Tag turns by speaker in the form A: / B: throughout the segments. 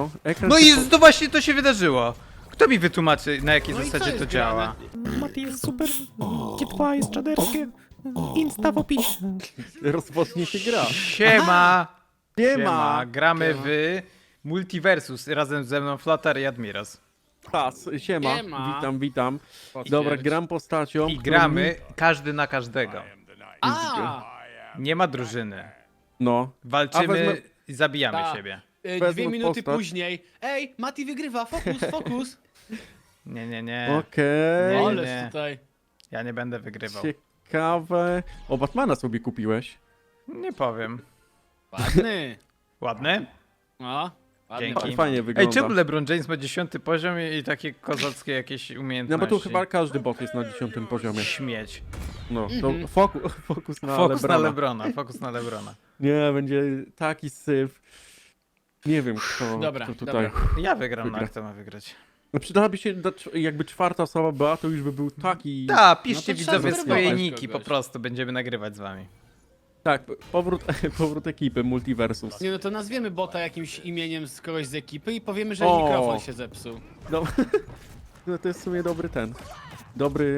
A: no. Ekran
B: No
A: się
B: i to właśnie to się wydarzyło. Kto mi wytłumaczy, na jakiej
C: No i co
B: zasadzie
C: jest
B: to działa?
D: Mati jest super, G2 jest czaderskie, Insta w opisie.
A: rozpocznie się gra.
B: Siema!
A: Siema!
B: Gramy w Multiversus. Razem ze mną Flutter i Admiros.
A: Czas, siema.
C: Siema.
A: Witam.
C: Potwierdź.
A: Dobra, gram postacią.
B: I
A: którą
B: gramy każdy na każdego.
C: A!
B: Nie ma drużyny.
A: No. A
B: Walczymy
A: wezmę-
B: i zabijamy
C: Ta.
B: siebie.
A: Wezmę
C: 2 minuty
A: postać.
C: później. Ej, Mati wygrywa, fokus.
B: Nie.
A: Okej.
B: Nie.
C: Ależ tutaj.
B: Ja nie będę wygrywał.
A: Ciekawe. O, Batmana sobie kupiłeś.
B: Nie powiem.
C: Ładny.
B: Ładny?
C: No, ładny.
B: Dzięki.
A: Fajnie
B: Ej,
A: wygląda.
B: czemu LeBron James ma 10 poziom i takie kozackie jakieś
A: No
B: umiejętności?
A: bo tu chyba każdy bot jest na 10 poziomie.
B: Śmieć.
A: No, to fokus na
B: Fokus
A: Lebrona.
B: na LeBrona, fokus na LeBrona.
A: Nie, będzie taki syf. Nie wiem
C: Dobra,
A: kto tutaj.
C: dobra.
B: Ja wygram, no
A: Wygra.
B: kto ma wygrać?
A: No przydałaby się, jakby czwarta osoba była, to już by był taki...
B: Tak, piszcie
C: No to trzeba
B: widzowie swoje
C: zweryfikować
B: niki, po
C: kogoś.
B: prostu będziemy nagrywać z wami.
A: Tak, powrót ekipy Multiversus.
C: Nie no to nazwiemy bota jakimś imieniem z kogoś z ekipy i powiemy, że
A: O.
C: mikrofon się zepsuł.
A: No, no to jest w sumie dobry ten. Dobry...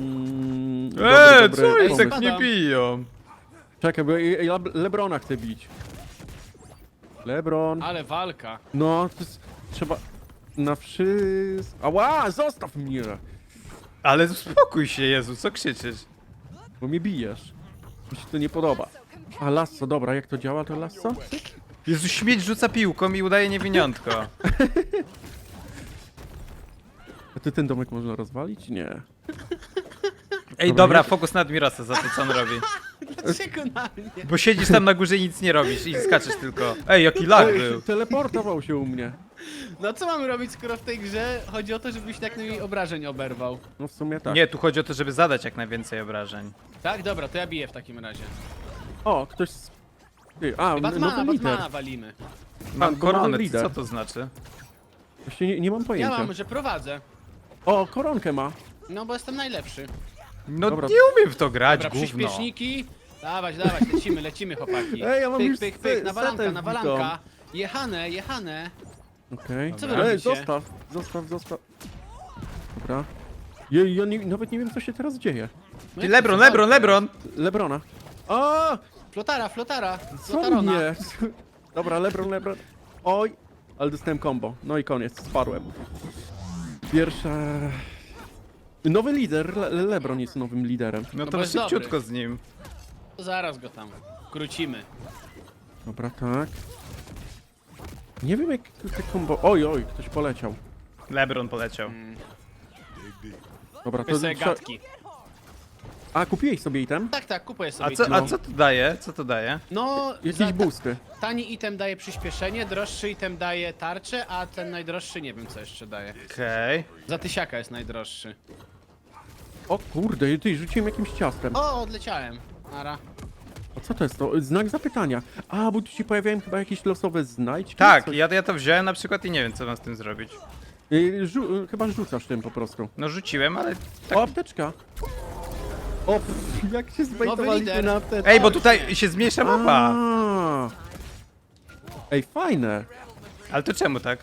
B: Co oni
A: pomysł.
B: tak nie biją?
A: Czekaj, bo ja Lebrona chcę bić. Lebron.
C: Ale walka.
A: No, to jest... Trzeba... Na wszystko... Ała, zostaw mnie!
B: Ale uspokój się, Jezu, co krzyczysz?
A: Bo mnie bijesz. Mi się to nie podoba. A lasso, dobra, jak to działa to lasso?
B: Jezu, śmieć rzuca piłką i udaje niewiniątko.
A: A ty ten domek można rozwalić? Nie.
B: Ej, dobra, fokus na Admirosa za to, co on robi.
C: Dlaczego na mnie?
B: Bo siedzisz tam na górze i nic nie robisz i skaczesz tylko. Ej, jaki lag był.
A: Teleportował się u mnie.
C: No co mamy robić, skoro w tej grze chodzi o to, żebyś jak najmniej obrażeń oberwał?
A: No w sumie tak.
B: Nie, tu chodzi o to, żeby zadać jak najwięcej obrażeń.
C: Tak? Dobra, to ja biję w takim razie.
A: O, ktoś... Ty, a,
C: Batmana,
A: nowy lider.
C: Batmana walimy.
B: Mam
A: bo mamy
B: koronę,
A: lider.
B: co to znaczy?
A: Właśnie nie mam
C: Ja
A: pojęcia.
C: mam, że prowadzę.
A: O, koronkę ma.
C: No bo jestem najlepszy.
B: No
A: Dobra.
B: nie umiem w to grać,
C: Dobra,
B: gówno.
C: przyspieszniki. Dawać, lecimy chłopaki.
A: Ej, ja mam
C: pyk,
A: już
C: pyk, pyk, nawalanka,
A: setę
C: nawalanka. Jechane.
A: Okej.
C: Co wy
A: Ej,
C: robicie?
A: zostaw. Dobra. Ja nawet nie wiem, co się teraz dzieje.
C: No
B: Ty,
C: jak to
B: Lebron!
A: Lebrona. A,
C: Flotara.
A: co
C: Flotarona.
A: mnie? Dobra, Lebron. Oj, ale dostałem combo. No i koniec, spadłem. Pierwsza... Nowy lider, Lebron jest nowym liderem.
B: No
C: bo
B: to
C: jest
B: szybciutko z nim.
C: To zaraz go tam krócimy.
A: Dobra, tak. Nie wiem jak te combo... Oj, ktoś poleciał.
B: Lebron poleciał.
A: Dobra, to...
C: To sobie gadki.
A: A, kupiłeś sobie item?
C: Tak, kupuję
B: A
C: sobie.
B: co,
C: item.
B: a co to daje? Co to daje?
C: No,
A: Jakieś boosty.
C: tani item daje przyspieszenie, droższy item daje tarczę, a ten najdroższy nie wiem co jeszcze daje.
B: Okej.
C: Za tysiaka jest najdroższy.
A: O kurde, ty rzuciłem jakimś ciastem.
C: O, odleciałem. Nara.
A: A co to jest to? Znak zapytania. A, bo tu się pojawiają chyba jakieś losowe znajdźki?
B: Tak,
A: Coś-
B: ja to wziąłem na przykład i nie wiem, co mam z tym zrobić.
A: Chyba rzucasz tym po prostu.
B: No rzuciłem, ale...
A: O, apteczka! O, jak się zbejtowaliśmy
C: lider.
A: na apteczkę.
B: Ej, bo tutaj się zmniejsza mapa.
A: A. Ej, fajne.
B: Ale to czemu tak?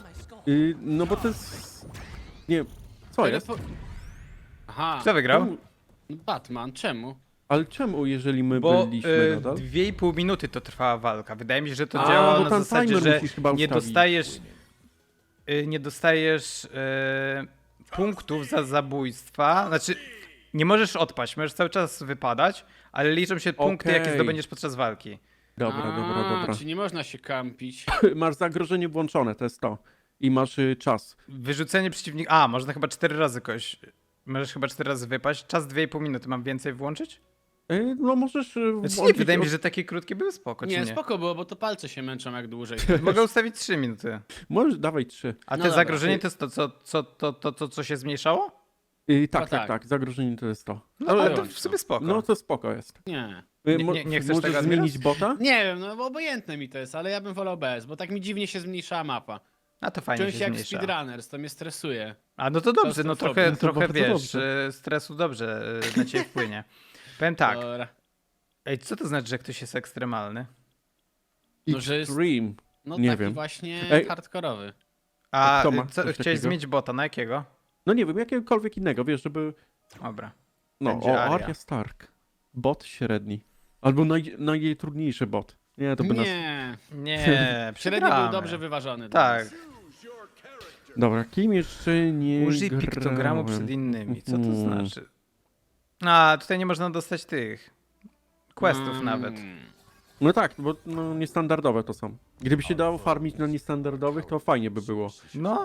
A: No bo to jest... Nie, co jest?
C: Aha,
B: Kto wygrał?
C: Batman, czemu?
A: Ale czemu, jeżeli my
B: Bo
A: byliśmy nadal?
B: 2,5 minuty to trwała walka. Wydaje mi się, że to
A: A,
B: działa
A: bo
B: na
A: tam
B: zasadzie,
A: timer
B: że
A: musisz chyba
B: nie
A: ustawić.
B: dostajesz... nie dostajesz punktów za zabójstwa. Znaczy, nie możesz odpaść, możesz cały czas wypadać, ale liczą się punkty, jakie
A: Okej.
B: zdobędziesz podczas walki.
A: Dobra.
C: Czyli nie można się kampić.
A: Masz zagrożenie włączone, to jest to. I masz czas.
B: Wyrzucenie przeciwnika... A, można chyba 4 razy kogoś... Możesz chyba 4 razy wypaść. Czas 2,5 minuty. Mam więcej włączyć?
A: No możesz...
B: Znaczy, nie,
A: włączyć
B: wydaje mi się, że takie krótkie były spoko, czy
C: Nie,
B: nie?
C: spoko było, bo to palce się męczą jak dłużej.
B: Mogę ustawić 3 minuty.
A: Możesz, dawaj 3.
B: A
C: No
B: te
C: dobra.
B: zagrożenie to jest to, co się zmniejszało?
A: Tak, zagrożenie to jest to.
B: No, ale to
C: dobra.
B: w sobie spoko.
A: No to spoko jest.
C: Nie.
B: Nie chcesz
A: Możesz
B: tego, Admiros?
A: zmienić bota?
C: Nie wiem, no bo obojętne mi to jest, ale ja bym wolał bez, bo tak mi dziwnie się zmniejszała mapa.
B: A to fajnie
C: Czułem
B: się
C: się jak
B: zmniejsza.
C: speedrunners, to mnie stresuje.
B: A no to dobrze, no trochę,
A: to
B: trochę
A: bardzo
B: wiesz,
A: dobrze.
B: stresu dobrze na ciebie wpłynie. Powiem tak,
C: Dobra.
B: ej, co to znaczy, że ktoś jest ekstremalny?
C: No, że jest-
A: Extreme.
C: No
A: Nie
C: taki
A: wiem.
C: właśnie
A: Ej.
C: hardkorowy.
B: A
A: kto ma
B: co,
A: coś
B: chciałeś
A: takiego?
B: zmienić bota, na jakiego?
A: No nie wiem, jakiegokolwiek innego, wiesz, żeby...
B: Dobra.
A: No,
B: Będzie
A: o,
B: Arya.
A: Arya Stark. Bot średni. Albo najtrudniejszy bot. Nie, to by nas...
C: Nie.
B: Nie,
C: Średnio
B: przegramy.
C: był dobrze wyważony. dla
B: Tak.
C: nas.
A: Dobra, kim jeszcze nie
B: Użyj piktogramu
A: grałem?
B: przed innymi. Co to
A: Mhm.
B: znaczy? A, tutaj nie można dostać tych questów
C: Mm.
B: nawet.
A: No tak, bo no, niestandardowe to są. Gdyby się dało farmić na niestandardowych, to fajnie by było.
B: No,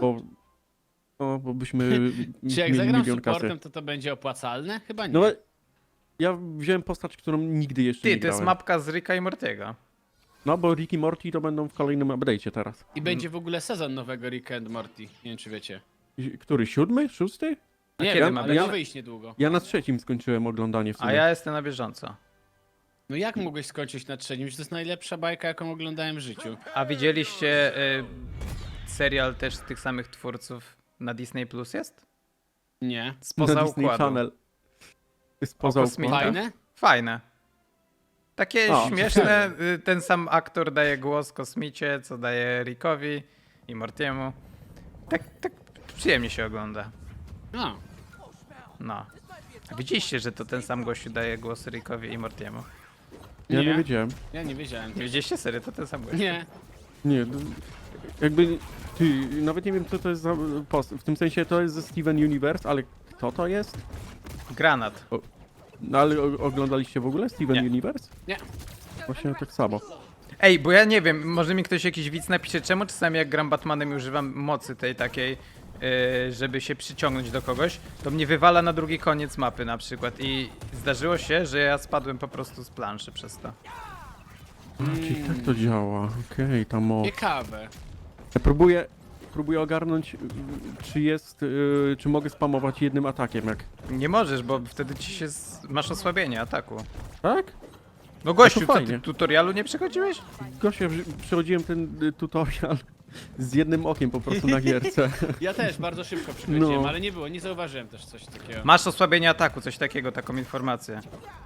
A: Bo byśmy
C: Czy jak
A: mieli
C: zagram
A: milion
C: supportem,
A: kasy.
C: to będzie opłacalne? Chyba nie.
A: No ale ja wziąłem postać, którą nigdy jeszcze nie
B: ty, to jest
A: grałem.
B: mapka z Ricka i Mortiego.
A: No bo Rick i Morty to będą w kolejnym update'cie teraz.
C: I będzie w ogóle sezon nowego Rick and Morty. Nie wiem, czy wiecie.
A: Który? 7? 6?
C: Nie
B: kiedy
C: wiem,
B: ma
C: ale
B: być?
C: ma wyjść niedługo.
A: Ja na 3 skończyłem oglądanie w sumie.
B: A ja jestem na bieżąco.
C: No jak mogłeś skończyć na trzecim? Że to jest najlepsza bajka, jaką oglądałem w życiu.
B: A widzieliście serial też z tych samych twórców na Disney Plus jest?
C: Nie.
B: Spoza
A: na Disney
B: układu.
A: Channel. Spoza
B: O kosmita.
A: układu.
C: Fajne?
B: Fajne. Takie
A: O,
B: śmieszne. Ten sam aktor daje głos Kosmicie, co daje Rickowi i Mortiemu. Tak przyjemnie się ogląda.
C: No.
B: No. A widzieliście, że to ten sam gościu daje głos Rickowi i Mortiemu?
A: Ja nie
C: Nie.
A: wiedziałem.
C: Ja nie wiedziałem.
B: Nie widzieliście serio, to ten sam gościu.
C: Nie.
A: Nie, jakby... Ty, nawet nie wiem co to jest za post. W tym sensie to jest ze Steven Universe, ale kto to jest?
B: Granat.
A: No ale oglądaliście w ogóle Steven
B: Nie.
A: Universe?
C: Nie.
A: Właśnie tak samo.
B: Ej, bo ja nie wiem, może mi ktoś jakiś widz napisze, czemu czasami jak gram Batmanem i używam mocy tej takiej, żeby się przyciągnąć do kogoś, to mnie wywala na drugi koniec mapy na przykład i zdarzyło się, że ja spadłem po prostu z planszy przez to.
A: Czyli tak to działa. Okej, ta moc.
C: Ciekawe.
A: Ja próbuję ogarnąć, czy jest, czy mogę spamować jednym atakiem, jak...
B: Nie możesz, bo wtedy ci się masz osłabienie ataku.
A: Tak?
B: No gościu,
A: to
B: to
A: fajnie.
B: ty tutorialu nie przechodziłeś?
A: Gosia, przechodziłem ten tutorial z jednym okiem po prostu na gierce.
C: Ja też bardzo szybko przychodziłem,
A: No.
C: ale nie zauważyłem też coś takiego.
B: Masz osłabienie ataku, coś takiego, taką informację.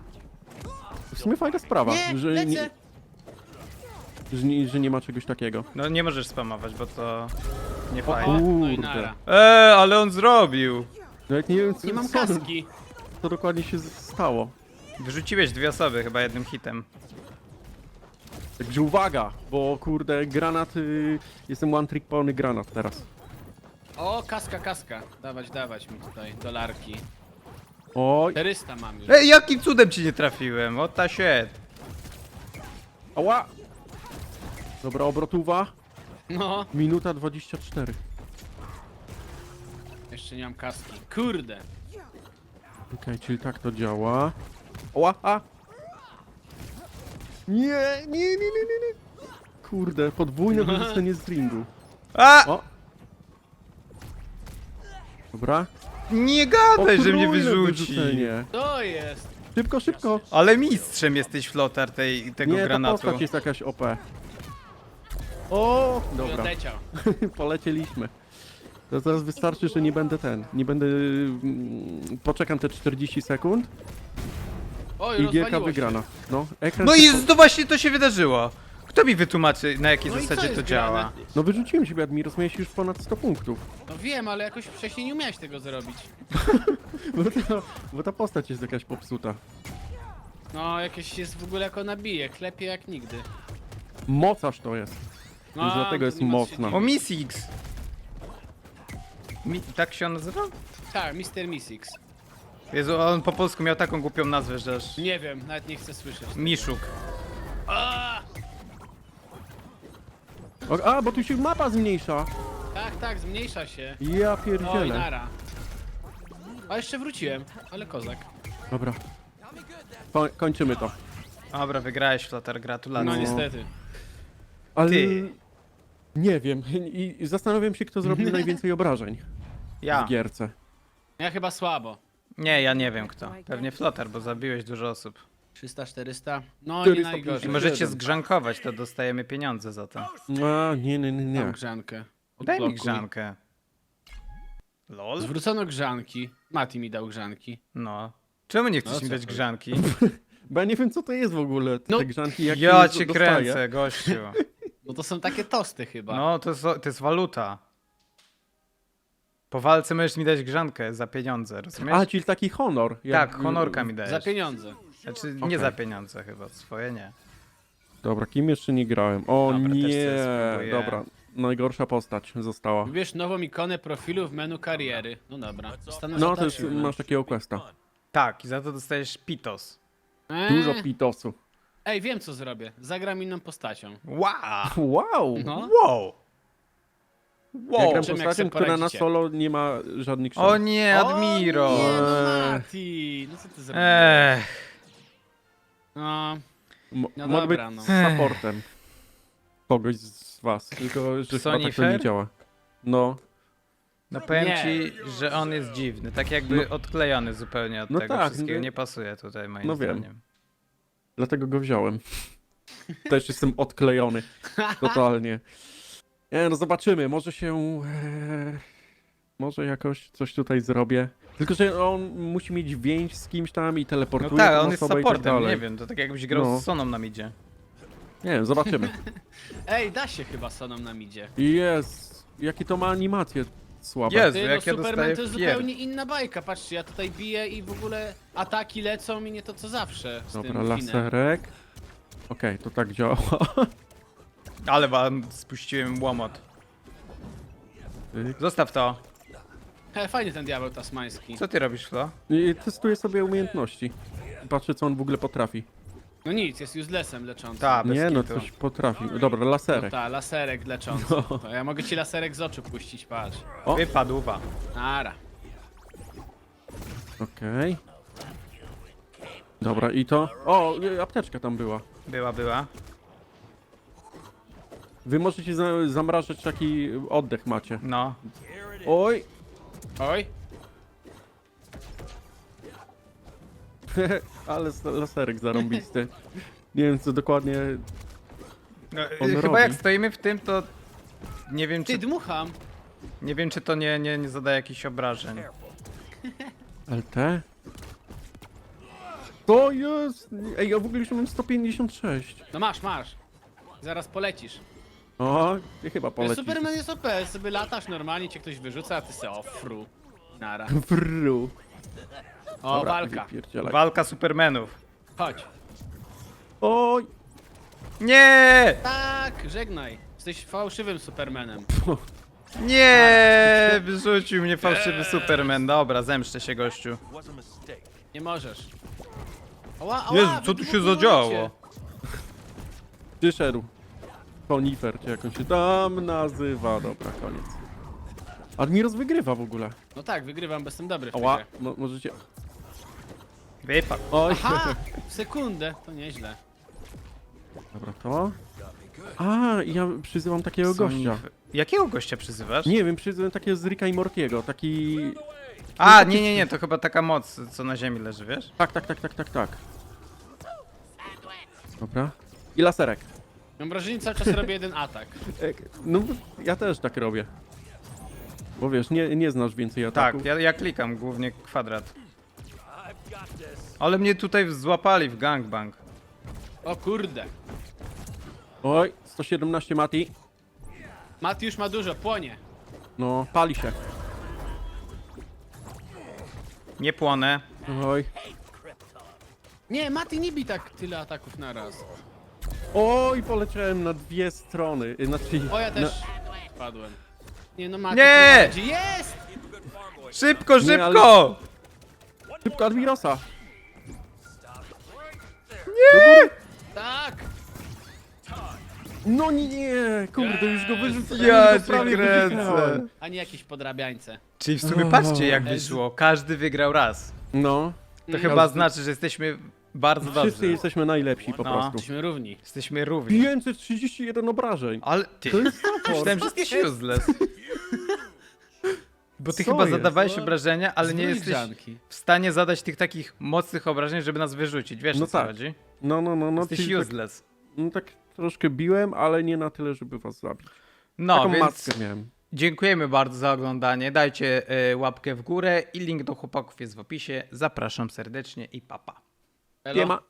A: W sumie fajna sprawa,
C: Nie,
A: że,
C: lecę.
A: że nie ma czegoś takiego.
B: No nie możesz spamować, bo to nie
C: O,
B: fajnie.
C: no i
A: Kurde.
C: nara.
B: Ale on zrobił!
A: Nawet nie wiem, co,
C: Nie mam
A: co,
C: kaski.
A: co dokładnie się stało.
B: Wyrzuciłeś 2 osoby chyba jednym hitem.
A: Także uwaga, bo kurde, granat, jestem one trick pony granat teraz.
C: O, kaska. Dawać mi tutaj dolarki.
A: Oj,
C: 400 mam już.
B: Ej, jakim cudem ci nie trafiłem? O ta shit.
A: ała! Dobra, obrotuwa,
C: No,
A: minuta 24.
C: jeszcze nie mam kaski. Kurde.
A: Okej, czyli tak to działa. Ła, a! Nie. Kurde, podwójne wyrzucenie z ringu.
B: A!
A: O! Dobra.
B: Nie gadaj, że mnie
A: Potrójne
B: wyrzuci.
A: wyrzucenie.
C: To jest.
A: Szybko.
B: Ale mistrzem jesteś, Flotar, tego
A: Nie, ta
B: granatu.
A: postać jest jakaś OP. O! Dobra,
C: Odleciał.
A: polecieliśmy. To teraz wystarczy, że nie będę Nie będę... Poczekam te 40 sekund
C: Oj,
A: i gierka
C: rozwaliło się.
A: wygrana. No, ekran
B: No
A: się
B: i to właśnie to się wydarzyło. Kto mi wytłumaczy, na jakiej
C: No i co
B: zasadzie
C: jest
B: to działa?
C: grane?
A: No wyrzuciłem siebie, Admiros, miałeś już ponad 100 punktów.
C: No wiem, ale jakoś wcześniej nie umiałeś tego zrobić.
A: Bo ta postać jest jakaś popsuta.
C: No, jakieś jest w ogóle jako nabije, klepie jak nigdy.
A: Mocarz to jest.
C: No,
A: Już dlatego
C: to
A: jest
C: nie ma co się
A: mocna.
B: O, Miss X. Tak się on nazywa?
C: Tak, Mr. Missix.
B: Jezu, on po polsku miał taką głupią nazwę, że aż...
C: Nie wiem, nawet nie chcę słyszeć.
B: Miszuk.
C: A!
A: A, bo tu się mapa zmniejsza.
C: Tak, zmniejsza się.
A: Ja
C: Oj,
A: pierdzielę.
C: nara. A jeszcze wróciłem, ale kozak.
A: Dobra. Kończymy to.
B: Dobra, wygrałeś, Flotar, gratulacje.
C: No
A: No.
C: niestety.
A: Ale...
B: Ty.
A: Nie wiem. I zastanawiam się, kto zrobił najwięcej obrażeń
B: Ja.
A: w gierce.
C: Ja chyba słabo.
B: Nie, ja nie wiem kto. Pewnie Flotar, bo zabiłeś dużo osób.
C: 300, 400. No
A: 450.
C: nie
B: I
C: najgorzej.
B: możecie
A: Siedem.
B: zgrzankować, to dostajemy pieniądze za to.
A: A, nie.
C: Mam grzankę.
B: Daj mi
C: Odblokuj.
B: grzankę. LOL?
C: Zwrócono grzanki. Mati mi dał grzanki.
B: No. Czemu nie chcesz
C: No
B: mi
C: co
B: dać
C: ty?
B: grzanki?
A: Bo ja nie wiem, co to jest w ogóle. Te
C: No,
A: grzanki, jak
B: Ja
A: je
B: cię
A: dostaję.
B: kręcę, gościu.
C: No to są takie tosty chyba.
B: No, to jest waluta. Po walce możesz mi dać grzankę za pieniądze, rozumiesz?
A: A, czyli taki honor.
B: Tak, honorka mi
C: Za
B: dajesz.
C: pieniądze.
B: Znaczy, nie
A: Okej.
B: za pieniądze chyba, swoje nie.
A: Dobra, kim jeszcze nie grałem? O
B: Dobra, też
A: nie,
B: sobie spróbuję.
A: dobra. Najgorsza postać została.
C: Wybierz nową ikonę profilu w menu kariery. No dobra. Zostanę
A: No, to jest,
C: zaznaczony.
A: masz takiego questa.
B: Tak, i za to dostajesz pitos.
A: Dużo pitosu.
C: Ej, wiem co zrobię. Zagram inną postacią.
B: Wow!
A: Wow!
C: No.
B: Wow!
A: Ja
B: Wow!
A: gram
C: Czym, jak
A: postacią,
C: sobie
A: która na
C: poradzicie?
A: solo nie ma żadnych szans.
B: O nie, Admiro!
C: O nie, no Mati! No co ty zrobiłeś? No,
A: Mo-
C: No
A: mogę być
C: dobra, no.
A: supportem kogoś z was, tylko że chyba
B: Sony
A: tak to nie
B: Fair?
A: działa. No,
B: No powiem
C: Nie.
B: ci, że on jest dziwny, tak jakby odklejony zupełnie od
A: No
B: tego
A: tak,
B: wszystkiego.
A: no.
B: Nie pasuje tutaj moim
A: No wiem.
B: zdaniem.
A: dlatego go wziąłem. Też jestem odklejony. Totalnie. Nie, no zobaczymy, może się... może jakoś coś tutaj zrobię. Tylko, że on musi mieć więź z kimś tam i
B: No
A: teleportuje
B: tak,
A: tą
B: on jest
A: osobę i tak
B: supportem,
A: dalej.
B: nie wiem, to tak jakbyś grał
A: No.
B: z Soną na midzie.
A: Nie wiem, zobaczymy.
C: Ej, da się chyba Sonom nam idzie.
A: Jest, jakie to ma animacje słabe.
B: Jezu,
C: Ty, no
B: jak ja
C: Superman
B: dostaję
C: to jest
B: pier...
C: zupełnie inna bajka. Patrzcie, ja tutaj biję i w ogóle ataki lecą i nie to co zawsze z
A: Dobra,
C: tym kinem.
A: laserek. Okej, to tak działa.
B: Ale wam spuściłem łomot.
A: Tyk.
B: Zostaw to.
C: Fajny ten diabeł tasmański.
B: Co ty robisz, Flo?
A: I testuję sobie umiejętności. Patrzę, co on w ogóle potrafi.
C: No nic, jest uselessem leczącym.
B: Ta, bez
A: Nie, no
B: kitu.
A: coś potrafi. Dobra,
C: No
A: laserek.
C: ta, laserek leczący.
A: No.
C: To ja mogę ci laserek z oczu puścić, patrz.
A: O.
B: Wypadła.
C: Nara.
A: Okej. Dobra, i to... O, apteczka tam była.
B: Była.
A: Wy możecie zamrażać, taki oddech macie.
B: No.
A: Oj!
C: Oj,
A: Ale laserek zarąbisty. Nie wiem, co dokładnie...
B: No,
A: On
B: chyba
A: robi.
B: jak stoimy w tym, to nie wiem,
C: ty
B: czy,
C: dmucham.
B: nie wiem, czy to nie zadaje jakichś obrażeń.
A: LT? To jest... Ej, ja w ogóle już mam 156.
C: No masz. Zaraz polecisz.
A: O, ty chyba
C: Wiesz,
A: polecisz.
C: Superman jest OP, sobie latasz normalnie, cię ktoś wyrzuca, a ty se o fru. Nara.
A: Fru.
C: O,
A: Dobra,
C: walka.
A: wypierdzielaj.
B: Walka Supermanów.
C: Chodź.
A: Oj!
B: Nie!
C: Tak, żegnaj. Jesteś fałszywym Supermanem.
B: Nie! Wyrzucił mnie fałszywy Superman. Dobra, zemszczę się, gościu.
C: Nie możesz. Ała,
B: Jezu, co tu się zadziało?
A: Przyszedł. Konifer, czy jak on się tam nazywa. Dobra, koniec. Admiros wygrywa w ogóle.
C: No tak, wygrywam, bo jestem dobry w tej
A: Ała,
C: grze.
A: możecie...
B: Wypadł.
A: Oj,
C: Aha, w sekundę, to nieźle.
A: dobra, to... A, ja przyzywam takiego gościa.
B: Jakiego gościa przyzywasz?
A: Nie wiem, przyzywam takiego z Ricka i Mortiego, taki...
B: A, nie, to chyba taka moc, co na ziemi leży, wiesz?
A: Tak. Dobra. I laserek.
C: Mam wrażenie, cały czas robię jeden atak.
A: No, ja też tak robię. Bo wiesz, nie znasz więcej ataków.
B: Tak, ja klikam głównie kwadrat. Ale mnie tutaj złapali w gangbang.
C: O kurde.
A: Oj, 117 Mati.
C: Mati już ma dużo, płonie.
A: No, pali się.
B: Nie płonę.
A: Oj.
C: Nie, Mati nie bij tak tyle ataków na raz.
A: Oj, poleciałem na dwie strony. Znaczy,
C: O, ja też
A: Na...
C: padłem. Nie no, Mati
B: Nie!
C: prowadzi. Jest!
B: Szybko,
A: Nie,
B: szybko!
A: Szybko Admirosa.
C: Tak!
A: No nie, kurde, już go wyrzucałem.
B: Ja
A: go
B: cię
A: prawie
B: kręcę.
A: wypchnąłem.
C: A nie jakieś podrabiańce.
B: Czyli w sumie patrzcie jak wyszło. Każdy wygrał raz.
A: No,
B: To chyba znaczy, że jesteśmy bardzo
A: wszyscy
B: dobrzy.
A: jesteśmy najlepsi po
B: No.
A: prostu.
C: Jesteśmy równi.
B: Jesteśmy równi.
A: 531 obrażeń.
B: Ale ty,
A: To jest support.
B: myślałem, że jesteś useless. Bo ty
A: Co
B: chyba
A: jest?
B: zadawałeś obrażenia, ale nie jesteś
C: Grzanki.
B: w stanie zadać tych takich mocnych obrażeń, żeby nas wyrzucić. Wiesz
A: No
B: o co
A: tak.
B: chodzi?
A: No,
B: Jesteś
A: czyli
B: useless.
A: tak troszkę biłem, ale nie na tyle, żeby was zabić.
B: No,
A: Taką
B: więc
A: maskę miałem.
B: dziękujemy bardzo za oglądanie. Dajcie łapkę w górę i link do chłopaków jest w opisie. Zapraszam serdecznie i papa.
C: Elo.
A: Nie ma.